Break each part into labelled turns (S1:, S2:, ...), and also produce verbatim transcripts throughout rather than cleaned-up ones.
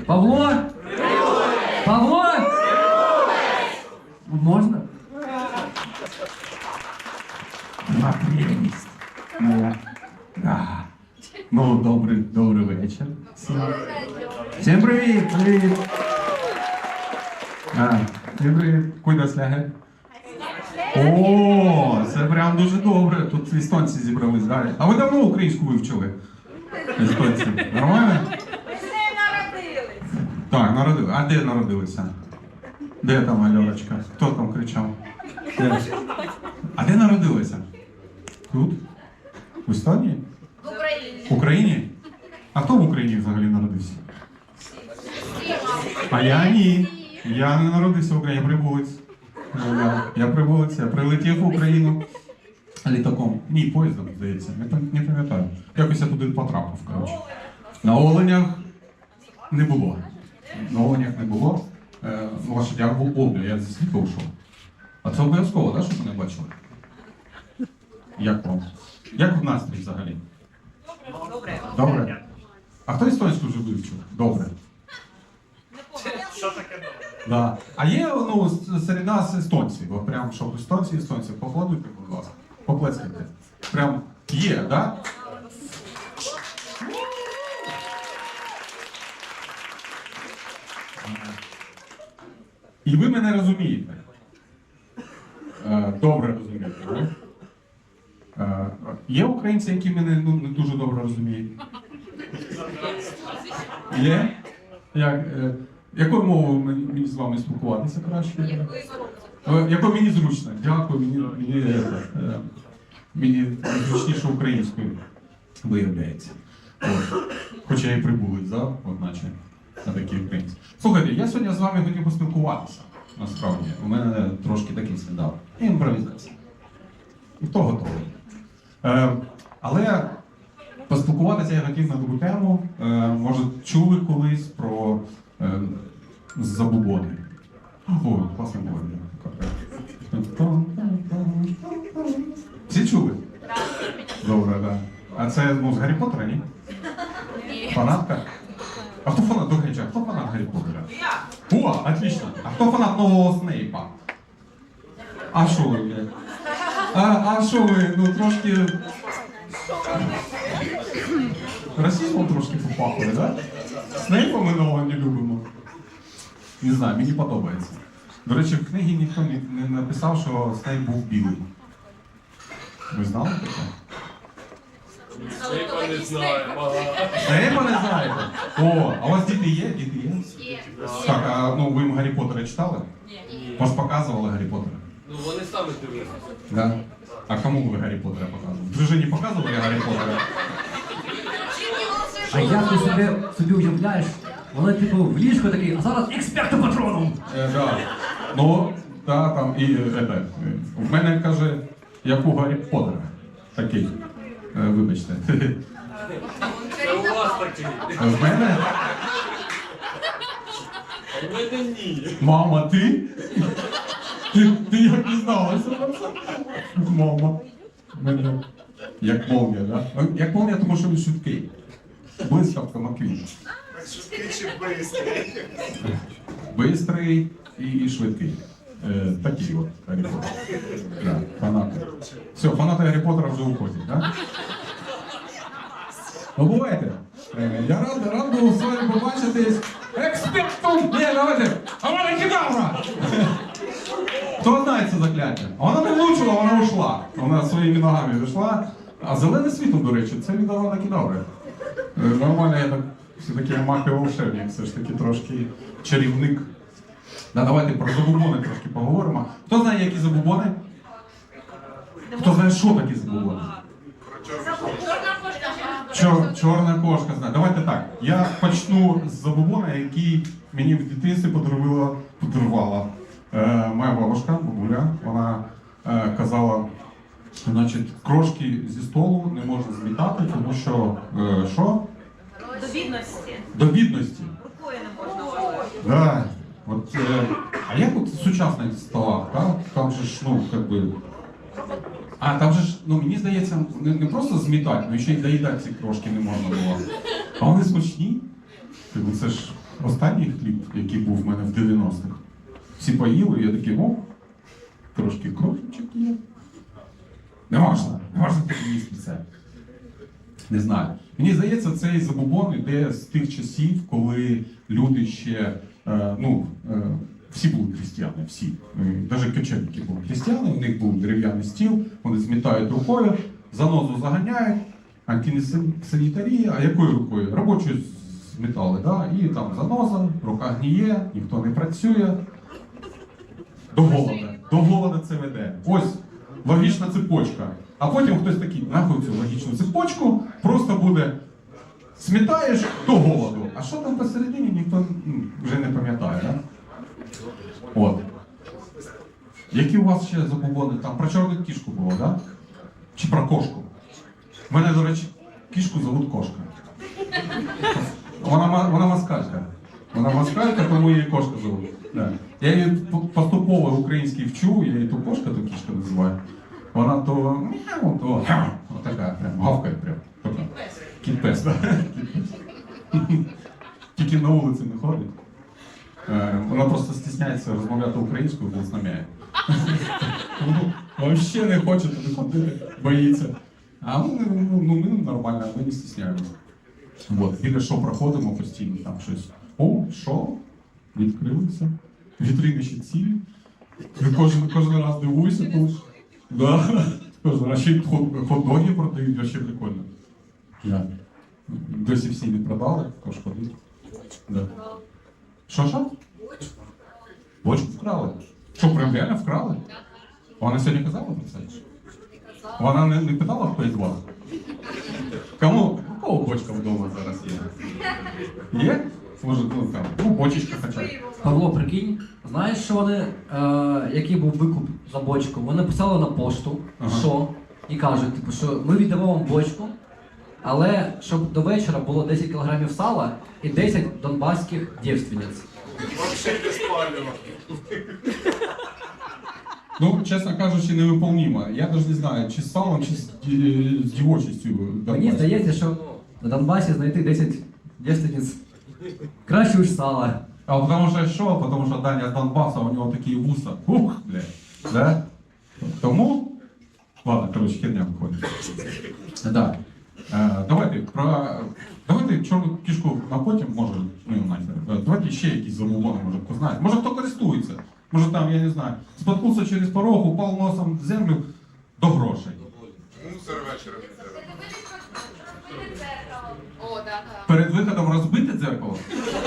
S1: Павло? Павло? Можна?
S2: Моя прелість. Моя. Да. Ну, добрий, добрий вечір. Всім. Всім привіт, привіт. А, всім привіт. Куди сляги? О, це прям дуже добре. Тут естонці зібрались далі. А ви давно українську вивчили? Естонці. Нормально?
S3: Ми з нею народились.
S2: Так, народилися. А де народилися? Де там Альоночка? Хто там кричав? Де? А де народилися? Тут? В Естонії?
S3: В Україні.
S2: В Україні? А хто в Україні взагалі народився? А я ні. Я не народився в Україні, я прибулець. Я, я прибулець, я прилетів в Україну літаком. Ні, поїздом, здається, не, пам- не пам'ятаю. Якось я туди потрапив, коротше. На Оленях не було. На Оленях не було. Е, ну, ваше я був Олбі, я зі світу йшов. А це обов'язково, так, щоб мене бачили? Як вам? Як в настрій взагалі?
S3: Добре.
S2: Добре? А хто естонську вже вивчив? Добре.
S4: Що таке добре?
S2: Да. А є ну, с- серед нас естонці, от прям щоб естонці, естонці, поаплодуйте, будь ласка, поплескайте. Прям є, так? Да? І ви мене розумієте. Е, Добре розумієте, так? Е, Є українці, які мене ну, не дуже добре розуміють? Є? Як, е, якою мовою мені, мені з вами спілкуватися краще? Е, Якою мені зручно? Дякую, мені, мені, е, е, мені зручніше українською виявляється. От. Хоча я і прибулець, да? От наче на такі українці. Слухайте, я сьогодні з вами хотів поспілкуватися. Насправді, у мене трошки такий стендап. Імпровізація. І то готовий. Е, але поспілкуватися я хотів на другу тему. Е, може, чули колись про е, забубони. О, класна мова. Всі чули? Добре, так. Да. А це ну, з Гаррі Поттера, ні? Фанатка? А хто фанат, до речі, а хто фанат Гаррі Поттера? О, отлично. А хто фанат нового Снейпа? А що ви, блядь? А, а що ви, ну трошки... Расизмом трошки попахли, да? Снейпа ми нового не любимо. Не знаю, мені подобається. До речі, в книгі ніхто не, не написав, що Снейп був білий. Ви знали таке?
S4: Снейпа не знаємо.
S2: Снейпа не знаєте? О, а у вас діти є? Діти є?
S3: Є.
S2: Так, а ну ви їм Гаррі Поттера читали?
S3: Ні.
S2: Вас показували Гаррі Поттера?
S4: Ну вони самі дивилися.
S2: Да. А кому ви Гаррі Поттера показували? Дружині показували Гаррі Поттера?
S1: А як ти собі, собі уявляєш? Вони типу в ліжку такий, а зараз експерт патроном.
S2: Е, да. Ну, да, там і е, е, е, в мене каже, як у Гаррі Поттера. Такий. Е, вибачте.
S4: Це у вас такий.
S2: В мене?
S4: А в мене ні.
S2: Мама, ти? Ти, ти як дізналася про це? Мама. Мене. Як молния, да? Як молния, тому що він швидкий. Блискавка Маквін.
S4: Швидкий чи бистрий?
S2: Бистрий і, і швидкий. Е, такий от Гаррі Поттер. Да, фанати. Все, фанати Гаррі Поттера вже уходять, да? Ну, бувайте. Е, я рад, рад був з вами побачитись. Експектум! Ні, давайте! Авада кедавра! Хто знає це закляття? А вона не влучила, вона ушла. Вона своїми ногами вийшла. А зелене світло, до речі, це від Авада кедаври. Е, Нормально, я так все-таки маг і волшебник, все ж таки трошки чарівник. Да, давайте про забубони трошки поговоримо. Хто знає, які забубони? Хто знає, що такі забубони?
S3: Чорна кошка.
S2: Чор, чорна кошка знає. Давайте так. Я почну з забубона, який мені в дитинстві подарувала, подарувала е, моя бабушка, бабуля. Вона е, казала, що значить, крошки зі столу не можна змітати, тому що е, що?
S3: До бідності.
S2: До бідності.
S3: Рукою не можна вважати.
S2: Да. От, е, а як от в сучасних столах, так? Там же ж, ну, как би. А там же ж, ну мені здається, не, не просто змітати, але ще й доїдати ці крошки не можна було. А вони смачні. Типу, це ж останній хліб, який був в мене в дев'яностих, всі поїли, і я такий, о, трошки кровчик є. Не можна, не можна так їсти це. Не знаю. Мені здається, цей забубон іде з тих часів, коли люди ще, е, ну, е, всі були християни, всі. Навіть кочевники були християни, у них був дерев'яний стіл, вони змітають рукою, занозу заганяють, антисанітарія, а якою рукою? Робочою змітали, да? І там заноза, рука гніє, ніхто не працює. До голода. До голода це веде. Ось логічна цепочка. А потім хтось такий, нахуй цю логічну цепочку, просто буде смітаєш до голоду. А що там посередині, ніхто ну, вже не пам'ятає, да? От. Які у вас ще забобони? Там про чорну кішку було, да? Чи про кошку? У мене, до речі, кішку зовут Кошка. Вона, ма- вона москалька. Вона москалька, тому її Кошка зовут. Да. Я її по- поступово український вчу, я її то Кошка, то кішка називаю. Вона то мяу, то гав. Отака, прям гавкає прям. Кіт-пес, так? Тільки на вулиці не ходить. Е, Вона просто стісняється розмовляти українською, бо знам'яє. Взагалі не хоче туди ходити, боїться. А ми, ну, ну, ми нормально, ми не стісняємося. От, біля що проходимо постійно, там щось. О, що? Відкрилися. Вітрини ще цілі. Я кожен, кожен раз дивуюся тут. Да. Кожен раз ще й хот- хот-доги продають, вообще прикольно. Да. Досі всі не продали, тож ходить. Да. Що, що? Бочку вкрали. Що, прям реально вкрали? Вона сьогодні казала про це? Вона не, не питала, хто із вас? Кому? У кого бочка вдома зараз є? Є? Може, ну там, ну бочечка хоча б.
S1: Павло, прикинь, знаєш, що вони, е, який був викуп за бочку? Вони писали на пошту,
S2: Ага.
S1: що, і кажуть, типу, що ми віддамо вам бочку, але щоб до вечора було десять кілограмів сала і десять донбаських дівственниць.
S4: Вообще без палива.
S2: Ну, чесно кажучи, невиполнімо. Я навіть не знаю, чи з салом, чи з, ді- з дівочістю.
S1: Мені
S2: Донбасі.
S1: здається, що на Донбасі знайти десять дівственниць краще уж сала.
S2: А потому що що? Потому що Даня з Донбасу, у нього такі вуса. Ух, бля. Да? Тому? Ладно, короче, херня виходить. Да. Е, давайте про. Давайте чорну кішку на потім, може, ну і нахер. Е, Давайте ще якісь забобони, може хто знає. Може хто користується. Може там, я не знаю, споткнувся через порог, упав носом в землю до грошей.
S4: Мусор вечором.
S3: О, да, да.
S2: Перед виходом розбите дзеркало.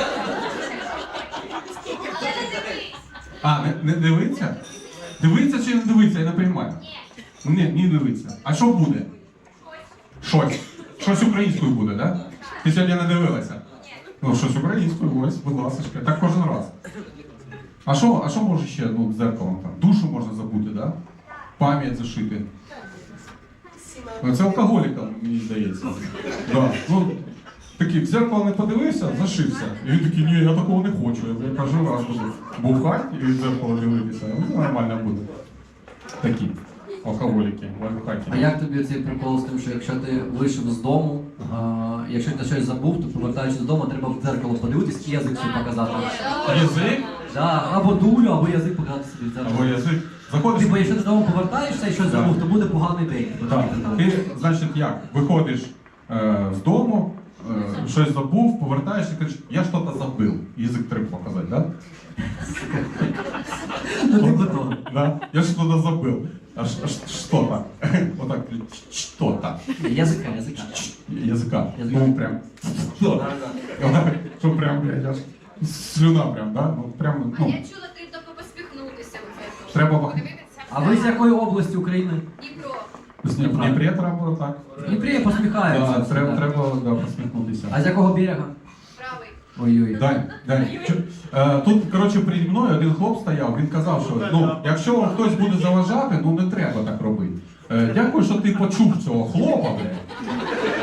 S2: А, не, не дивиться? Дивиться чи не дивиться, я не розумію. Ні, не дивиться. А що буде? Щось. Щось українською буде, так? Да? Ти сьогодні не дивилася? Ну, щось українською, ось, будь ласка. Так кожен раз. А що, а що може ще ну, дзеркалом там? Душу можна забути, так? Да? Пам'ять зашити. Ну, це алкоголікам, мені здається. Да. Ну, такий, в зеркало не подивився, зашився. І він такий, ні, я такого не хочу. Я кожен раз буду бухати і в зеркало дивитися. Ну, нормально буде. Такі алкоголіки, лайфхаки.
S1: А як тобі цей прикол з тим, що якщо ти вийшов з дому, а, якщо ти щось забув, то повертаючись додому, треба в дзеркало подивитись і язик свій показати.
S2: Язик?
S1: Да, або дулю, або язик показати собі в дзеркало.
S2: Або язик. Заходиш.
S1: Типу, якщо ти додому повертаєшся і щось
S2: Да.
S1: забув, то буде поганий день.
S2: Так. Ти, значить, як? Виходиш е, з дому, е, щось забув, повертаєшся і кажеш, я щось забив. Язик треба показати, так?
S1: Ну, типу того.
S2: Да? Я что-то забыл. А ш- ш- что-то. Вот так, что-то.
S1: Язика, язика.
S2: Языка.
S1: Язика.
S2: Ну, прям. Вот так, Что прям, блядь, аж слюна прям, да? Ну, прям,
S5: А
S2: ну,
S5: я чула, треба поспіхнутися у цьому.
S2: треба
S5: Подивитися.
S1: А ви з якої області України?
S5: Дніпро.
S2: в Дніпрі треба так.
S1: В Дніпрі посміхаються.
S2: Да, треба,
S1: Да.
S2: треба да, посміхнутися.
S1: А з якого берега?
S5: Правий.
S1: Ой-ой.
S2: Дань, Дань, чо- е, тут, коротше, переді мною один хлоп стояв, він казав, що ну, якщо вам хтось буде заважати, ну не треба так робити. Е, дякую, що ти почув цього хлопа, блядь.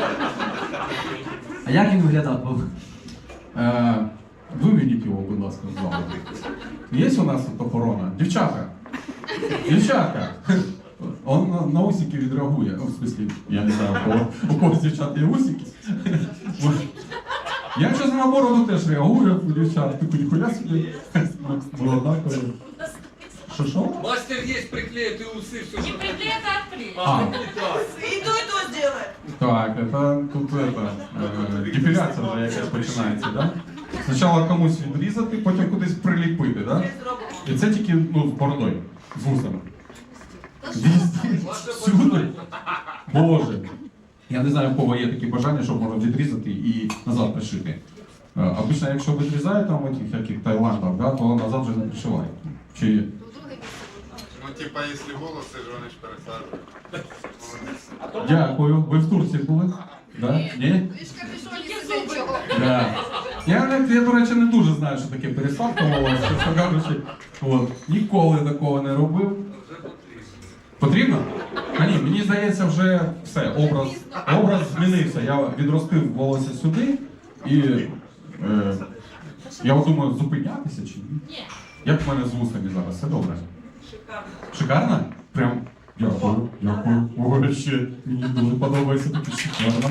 S1: А як він виглядав був?
S2: Е, виведіть його, будь ласка, з залу. Є у нас тут охорона? Дівчата! Дівчатка! Он на, на усики відреагує. Ну, в смислі, я не знаю, у кого, у кого з дівчат є усики. Я щось на бороду теж реагую, у дівчат, типу, ніхуя собі. Молода коли. Що що?
S6: Мастер есть, приклеит и усы, все.
S3: Не приклеит, а отклеит.
S2: А,
S3: И то, и то сделает.
S2: так, это тут это, е, депіляція вже якась починається, да? Спочатку комусь відрізати, потім кудись приліпити, да? І це тільки, ну, з бородою, з вусами. Везде, всюди. Боже. Я не знаю, у кого є такі бажання, що можна відрізати і назад пришити. Е, Обично, якщо відрізають там в тих яких Таїландах, да, то назад вже не пришивають. Чи є?
S5: В друге місце.
S4: Ну, типа, если волосы же вони ж пересаджують.
S2: Дякую. Ви в Турції були? Да? Ні?
S5: Ви ж капюшоні сидить чого.
S2: Да. Я, не- я, до речі, не дуже знаю, що таке пересадка волосся, чесно кажучи. От. Ніколи такого не робив. Потрібно? А ні, мені здається, вже все, образ, образ змінився. Я відростив волосся сюди і е, я от думаю, зупинятися чи ні?
S3: Ні.
S2: Як в мене з вусами зараз? Все добре?
S3: Шикарно.
S2: Шикарно? Прям дякую, дякую. Ой, ще мені дуже подобається таке шикарно.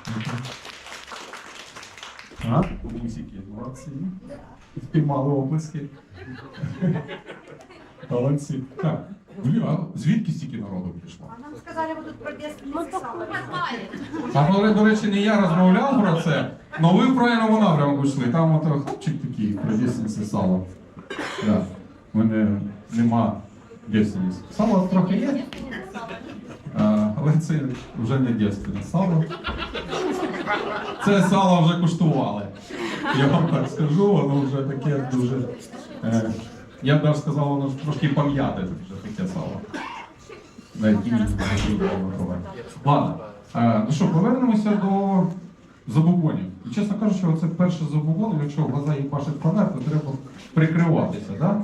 S2: А? Мусики, молодці. Спіймали оплески. Молодці. Так, бля, звідки стільки народу прийшло?
S5: Нам сказали, ви тут про дитинство сало.
S2: А коли, до речі, не я розмовляв про це, але ви в правильному напрямку йшли. Там от хлопчик такий, про дійсниці сало. Да. У мене нема дійсниці. Сало трохи є, а, але це вже не дійсне сало. Це сало вже куштували. Я вам так скажу, воно вже таке дуже. Е, я б навіть сказав, воно трошки пам'яте вже таке сало. Навіть і не знаю, ладно. Е, ну що, повернемося до забубонів. І, чесно кажучи, оце перше забубон, якщо в глаза їбашить фонарь, то треба прикриватися, да?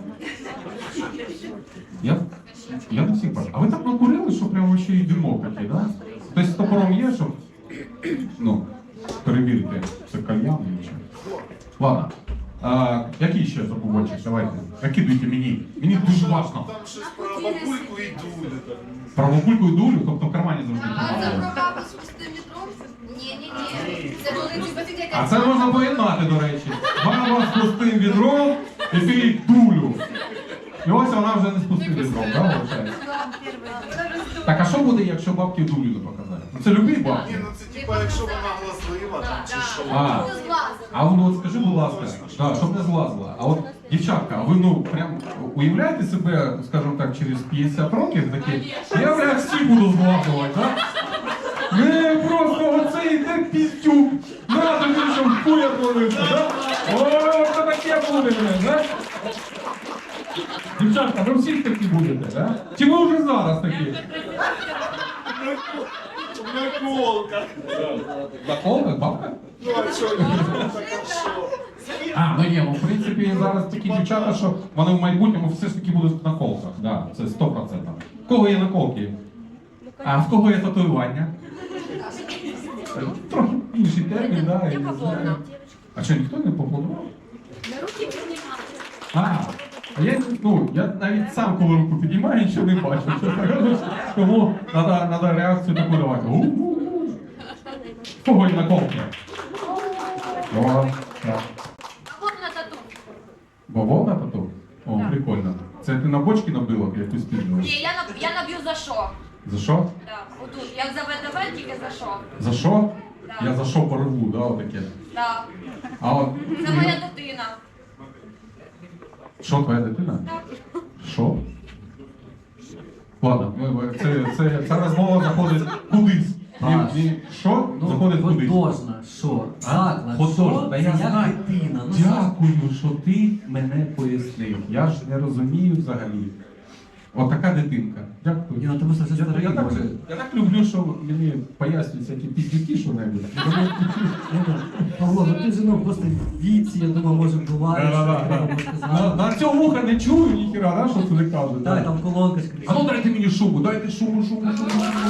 S2: Я, я не всіх бачу. А ви так накурили, що прямо ще й димок такий, да? Тобто з топором є, щоб, ну, перевірити, це кальян чи що. Ладно. А, який ще забубончик? Давайте. Накидуйте мені. Мені дуже важливо.
S4: Там щось про бабульку і дулю.
S2: Про бабульку і дулю, тобто в кармані завжди
S5: А це
S2: тримали.
S5: про бабу з пустим відром? Ні-ні-ні. Це коли ті сидять.
S2: А це можна поєднати, до речі. Баба з пустим відром і ти дулю. І ось вона вже не з пустим відром, так, виходить? Так, а що буде, якщо бабки дулю не показати? Ну, це любі бабки.
S4: Ні, ну це типа, якщо вона глазлива там чи що.
S2: А,
S5: Це злазить.
S2: а ну от скажи, будь ласка, да, щоб не злазила. А от, дівчатка, а ви ну прям уявляєте себе, скажімо так, через п'ятдесят років такі, я бля всі буду злазувати, так? Не, просто оцей йде піздюк. На тобі, щоб хуя творився, так? О, що таке буде, блядь, так? Дівчатка, ви всі такі будете, так? Чи ви вже зараз такі?
S4: Наколка.
S2: На колках, бабка?
S4: Ну, а що, така що?
S2: А, ну є, ну, в принципі, зараз такі дівчата, що вони в майбутньому все ж таки будуть на колках, да, це сто відсотків. В кого є наколки? А в кого є татуювання? Трохи інший термін, да, я не знаю. А що, ніхто не поплодував? А, а я, ну, я навіть сам, коли руку підіймаю, нічого не бачу. чесно кажучи. Тому треба реакцію таку давати. У-у-у. В кого є наколки? О, так.
S5: А от на тату.
S2: Бавовна тату? О, прикольно. Це ти на бочки набила якусь підбила?
S5: Ні, я, наб- я наб'ю за що?
S2: За що?
S5: Да, отут. Я за ВДВ тільки за що?
S2: За що?
S5: Да.
S2: Я за що порву, да, отаке.
S5: Да.
S2: А от...
S5: Це моя дитина.
S2: Що, твоя дитина?
S5: Так.
S2: Що? Ладно, ми- ми- це, це, ця розмова заходить кудись. Ні,
S1: А,
S2: ні, що? Заходить кудись.
S1: Художна, що? Заклад,
S2: Художна,
S1: що?
S2: та
S1: Це
S2: я
S1: як
S2: знаю.
S1: дитина. Ну, що?
S2: Дякую, що ти мене пояснив. Я ж не розумію взагалі. От така дитинка. Дякую.
S1: Ні, ну ти просто вже
S2: Я,
S1: старий,
S2: я, так,
S1: може.
S2: я так люблю, що мені пояснюють всякі піддюки що-небудь.
S1: Павло, ну ти ж ну просто в віці, я думаю, може буває, що треба було
S2: На,
S1: сказати.
S2: на цього вуха не чую ніхіра, да, що це не кажуть.
S1: Так, там колонка ж
S2: А ну дайте мені шубу, дайте шубу, шубу, шубу.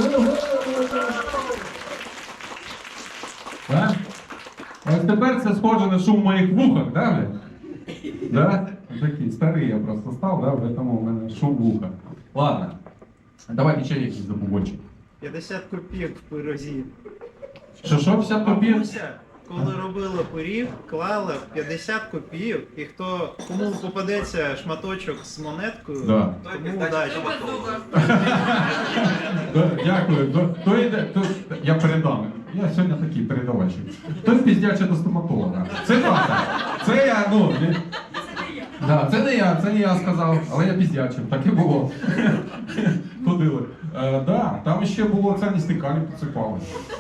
S2: Так? Ось тепер це схоже на шум в моїх вухах, да, бля? Да? Такий старий я просто став, да, вже тому в мене шум в вухах. Ладно. Давайте ще якийсь забубончик.
S7: п'ятдесят копійок в пирозі.
S2: Що, що, п'ятдесят копійок?
S7: Бабуся коли робили пиріг, клали п'ятдесят копійок, і хто кому попадеться шматочок з монеткою,
S2: Да.
S7: тому удачі.
S2: Да, Дякую. То, то йде, то, я передам. Я сьогодні такий передавачик. Хтось піздяче до стоматолога. Це правда. Це я, ну. не- Да, це не я, це не я сказав, але я піздячив, так і було. Ходили. Е, да, там ще було цінності камінь поцепали.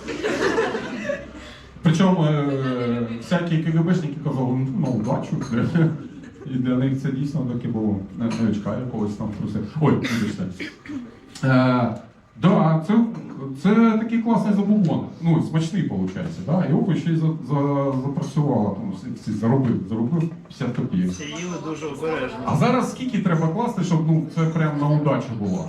S2: Причому е, всякі КГБшники казали, ну, на удачу. І для них це дійсно таке було. Новичка якогось там труси. Ой, вибачте. Е, да, це, це такий класний забубон. Ну, смачний, виходить. Да? Його ще й за, за, запрацювало, тому всі заробив, заробив п'ятдесят копійок.
S7: Всі їли дуже обережно.
S2: А зараз скільки треба класти, щоб ну, це прям на удачу було?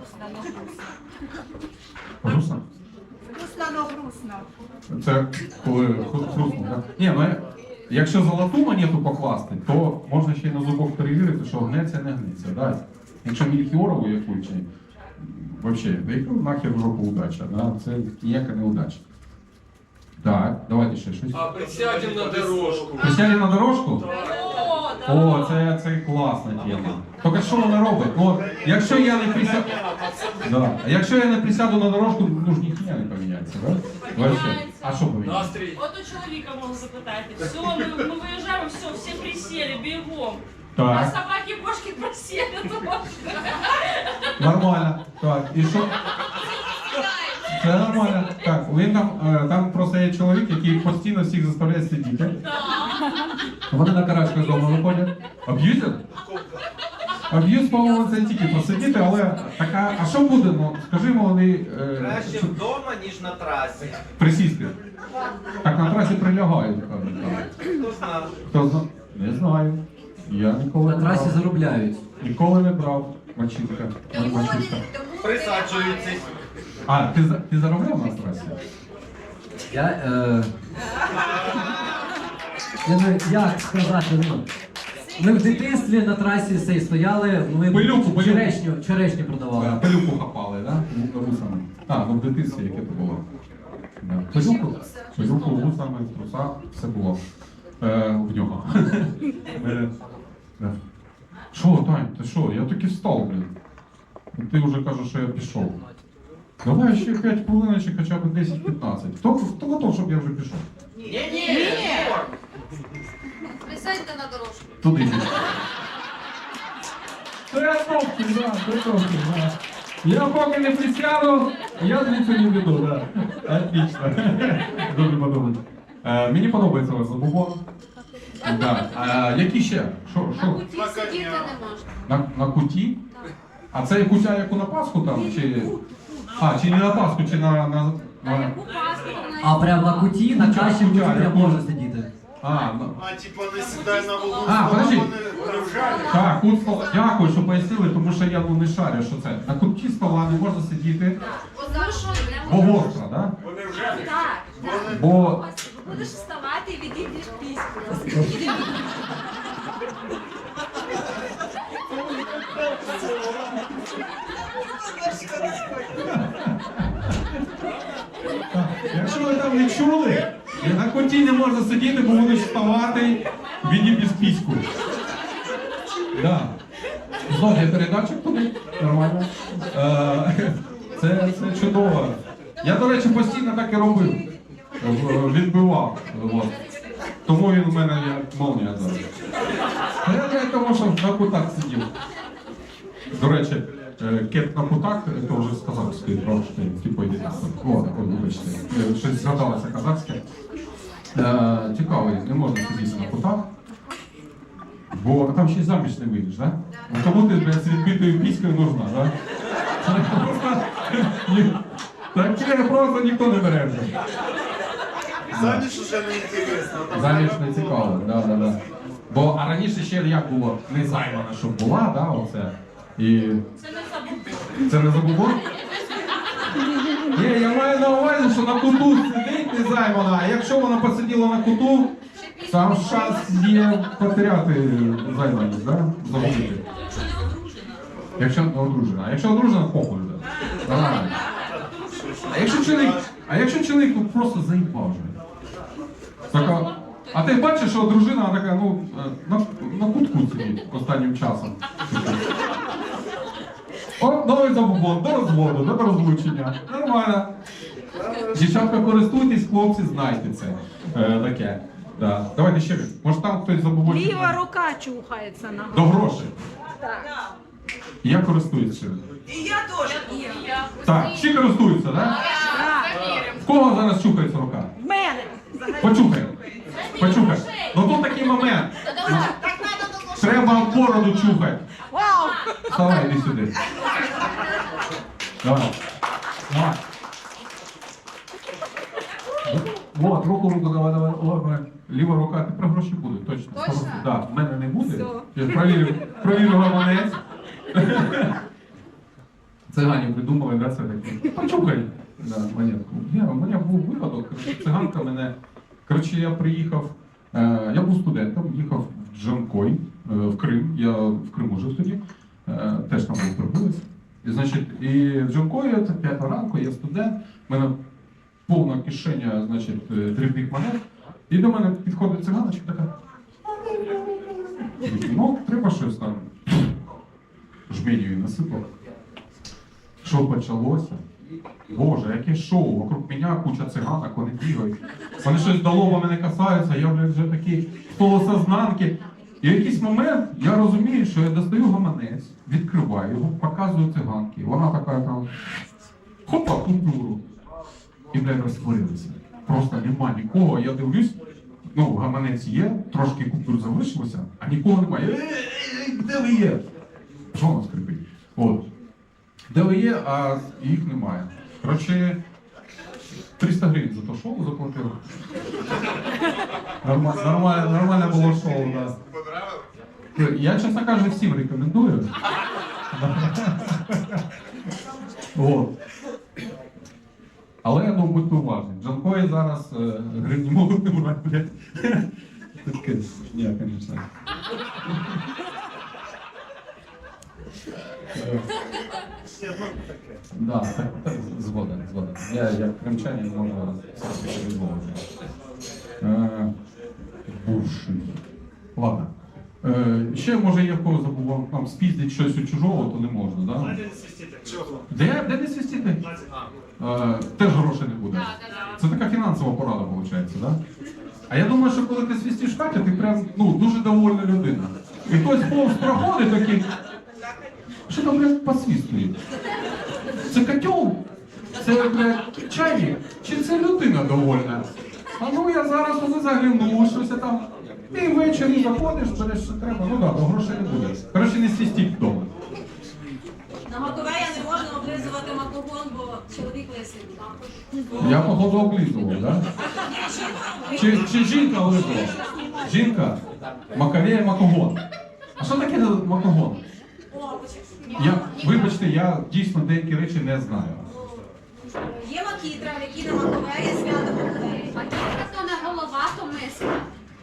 S2: Грустно?
S3: Вкусно, но грустно.
S2: Це коли хру- хрустно, так? Ні, ну якщо золоту монету покласти, то можна ще й на зубок перевірити, що гнеться, не гнеться. Да? Якщо мільхіорову яку чи взагалі, да яка нахер в жопу удача, да? Це ніяка не удача. Так, давайте ще щось.
S6: А присядем на дорожку.
S2: Присядемо на дорожку?
S3: О,
S2: О, це, це класна тема. Тільки що вона робить? Ну, от, якщо я не присяду... Да. А якщо я не присяду на дорожку, ну ж ніхто не поміняється, да? Вообще. А що поміняється?
S6: Настрій.
S8: От у чоловіка можна запитати. Все, ми, ми виїжджаємо, все, всі присіли, бігом. А
S2: Так,
S8: собаки і кошки просіли теж.
S2: нормально. Так, і що? Це нормально. Так, він там, е, там просто є чоловік, який постійно всіх заставляє сидіти. Вони на карачках вдома виходять. Аб'юзер? Аб'юз, по-моєму, це тільки посидіти, але така, а що буде? Ну, скажімо, вони е,
S9: Краще
S2: що-
S9: вдома, ніж на трасі.
S2: присісти. Так на трасі прилягають, кажуть. так.
S9: Хто знав?
S2: Хто зна? Не знаю. Я ніколи
S1: На
S2: не
S1: трасі
S2: брав.
S1: заробляють.
S2: Ніколи не брав мачинка.
S5: Тому вони,
S2: Мачинка.
S5: тому
S9: Присаджуються.
S2: А, ти, за- ти заробляв на трасі?
S1: Я, е... я не, як сказати, ну, ми в дитинстві на трасі сей стояли, ми
S2: Пилюку, пилюку.
S1: черешню, черешню продавали.
S2: А, Пилюку хапали, так? Да? Русами. А, ну в дитинстві яке то було. Да. Пилюку? Пилюку, вусами, в трусах, все було. Е, в нього. Е, да. Що, Тань, ти що? Я таки встав, блін. Ти вже кажеш, що я пішов. Давай ще п'ять хвилиночок, хоча б десять-п'ятнадцять. Хто, хто готов, щоб я вже пішов?
S9: Ні-ні,
S5: присядьте на дорожку.
S2: Туди йди. Це топки, да, це топки, да. Я поки не присяду, я звідси не піду, да. Отлично. Дуже подобається. Е, мені подобається ваш забубон. Да. А, які ще? Що,
S5: На
S2: що?
S5: куті сидіти не можна.
S2: На, на куті? А це кутя, яку на Пасху там? Чи... А, чи не на Пасху, чи на... на... на...
S1: А прямо на куті, на каші в куті
S2: Я
S1: прям
S2: понял.
S1: можна сидіти.
S2: А, ну...
S4: А типа не сідай на вагон,
S2: А, подожди.
S4: вони привжалі.
S2: Так, кут стола. Дякую, що пояснили, тому що я ну, не шарю, що це. На куті стола не можна сидіти,
S5: Тому що
S2: бо гостро, да?
S4: Вони вже
S8: Так, так.
S2: Бо
S8: Будеш вставати і відійдеш пісню.
S2: якщо ви там не чули, на куті не можна сидіти, бо будеш вставати, відіб'єш піську. Да. Знов є передатчик туди, нормально. Е, Це, це чудово. Я, до речі, постійно так і робив. В- Відбивав. От. Тому він у мене як молнія зараз. Та я не тому, що на кутах сидів. До речі, е, кеп на кутах, це вже з казахської трошки, типу йде. О, так, вибачте. Е, Щось згадалося казахське. Е, Цікавий, не можна сидіти на кутах. Бо там ще й заміж не вийдеш, так? Да? Кому ти блядь, з відбитою піською нужна, так? Да? Таке просто ніхто не бере вже.
S4: Заміж уже не інтересно. там
S2: Заміж
S4: треба
S2: не
S4: було.
S2: цікаво, да, да, да. Бо а раніше ще як було не займана, щоб була, да, оце. І
S8: Це не забув.
S2: це не забував? Ні, я маю на увазі, що на куту сидить не займана, а якщо вона посиділа на куту, там шанс є потеряти займаність, да? Забути. Якщо не одружена. А якщо одружена, похуй, да. Нормально. А якщо чоловік, а якщо чоловік ну, просто заїбав вже? Така, а ти бачиш, що дружина така, ну, е, на, на кутку сидить останнім часом. От новий забубон, до розводу, до розлучення. Нормально. Дівчатка, користуйтесь, хлопці, знайте це. Е, таке. Да. Давайте ще раз. Може там хтось забубончик?
S3: Ліва рука чухається на
S2: До
S3: голову.
S2: грошей. Я користуюсь ще.
S3: І я теж.
S2: Так, всі користуються, так? Да? В кого зараз чухається рука?
S3: В мене.
S2: Почухай. Почухай. Ну тут такий момент. Треба бороду чухати.
S3: Вау!
S2: Вставай, іди сюди. Давай. Давай. Вот, руку, руку, давай, давай. О, давай. Ліва рука, тепер гроші будуть, точно.
S5: Точно?
S2: Да, в мене не буде.
S3: Все.
S2: Я провірю, провірю гаманець. Цигані придумали, да, це таке. Почухай. Да, монетку. Я, у мене був випадок, коротше, циганка мене. Коротше, я приїхав, е, я був студентом, їхав в Джанкой, е, в Крим. Я в Криму жив тоді, е, теж там був прибулець. І, значить, і в Джанкої, це п'ята ранку, я студент, в мене повна кишеня, значить, е, дрібних монет. І до мене підходить циганочка така. Ну, треба щось там. Жменю насипав. Що почалося? Боже, яке шоу, вокруг мене куча циганок, вони бігають. Вони щось до лоба мене касаються, я, блядь, вже такий в полусознанки. І в якийсь момент я розумію, що я достаю гаманець, відкриваю його, показую циганки. Вона така там хопа, купюру. І, блядь, розтворилися. Просто нема нікого, я дивлюсь, ну, гаманець є, трошки купюр залишилося, а нікого немає. Ей, де ви є? Що воно скрипить? От. Де ви є, а їх немає. Коротше, триста гривень за то шоу заплатив. Нормально, нормально, нормально було шоу, да. Я, чесно кажучи, всім рекомендую. От. Але, ну, будьте уважні. Джанкої зараз е, гривні можуть не брати, блядь. Таке, ні, звісно. Да, так, так, згоден, згоден. Я, як кримчанин, можу все відмовити. Е, Бувший. Ладно. Е, ще, може, я в кого забув, там спіздить щось у чужого, то не можна, да?
S4: Де не свистіти? Чого?
S2: Де? Де не свистіти? Е, теж грошей не буде. Це така фінансова порада, виходить, да? А я думаю, що коли ти свистиш Катя, ти прям, ну, дуже довольна людина. І хтось повз проходить такий, що там, блядь, посвистує? Це котел? Це, блядь, чайник? Чи це людина довольна? А ну я зараз туди загляну, щось я там. І ввечері заходиш, береш, що треба. Ну так, да, грошей не буде. Коротше, не свистіть вдома.
S10: На Маковея не можна облизувати макогон, бо чоловік лисий.
S2: Я, походу, облизував, да? Чи, чи жінка облизувала? Жінка? Маковея макогон. А що таке макогон? Я, вибачте, я дійсно деякі речі не знаю.
S10: Є макітра, в якій на Маковея свято Маковея.
S5: Макітра то не голова, то миска.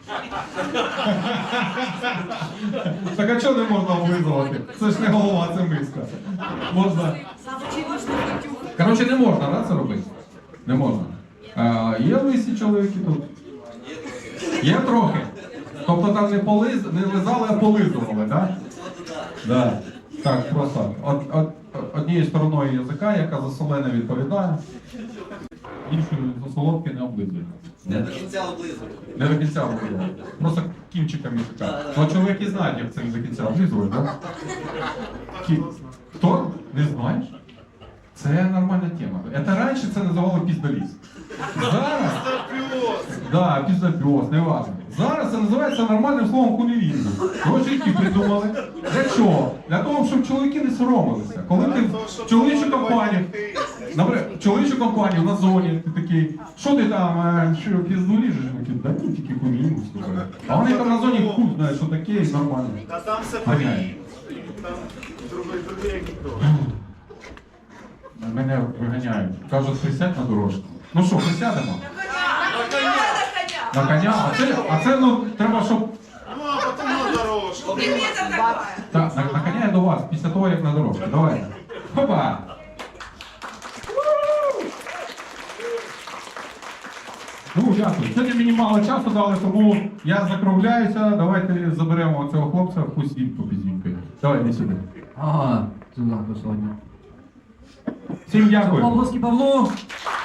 S2: Так а чого не можна облизувати? Це ж не голова, це миска. Можна. Коротше, не можна, да, це робити? Не можна. А, є лисі чоловіки тут? Є трохи. Тобто там не, полиз, не лизали, а полизували, так? Да? Так, просто од, од, однією стороною язика, яка за солене відповідає, іншою за солодке не облизує.
S9: Не до кінця облизувати.
S2: Не до кінця облизує. Просто кінчиком язика. Ну, чоловіки знають, як це не до кінця облизують, так? Кі... Хто? Не знаєш? Це нормальна тема. Це раніше це називали піздоліз. Зараз... Да, піздопіоз, не важно. Зараз це називається нормальним словом кунілізм. Його жінки придумали. Для чого? Для того, щоб чоловіки не соромилися. Коли ти в чоловічу компанію, наприклад, в чоловічу компанію на зоні, ти такий, що ти там, е, що, пізду ліжеш? Вони такі, да ні, тільки кунілізм, слухай. А вони там на зоні хуй знають, що таке, і нормально.
S4: Та там все
S2: Ганяють.
S4: Там другий, другий, як ніхто.
S2: Мене виганяють. Кажуть, присядь на дорожку. Ну що, присядемо? На коня? А це, а це, ну, треба, щоб...
S4: Ну, а потім на дорожку.
S2: Так, на, на коня я до вас, після того, як на дорожку. Давай. Хопа! Ну, дякую. Сьогодні мені мало часу дали, тому я закругляюся. Давайте заберемо цього хлопця, пусть він попіздінькає. Давай, іди сюди.
S1: Ага, це сьогодні.
S2: Всім дякую.
S1: Обласки Павлу!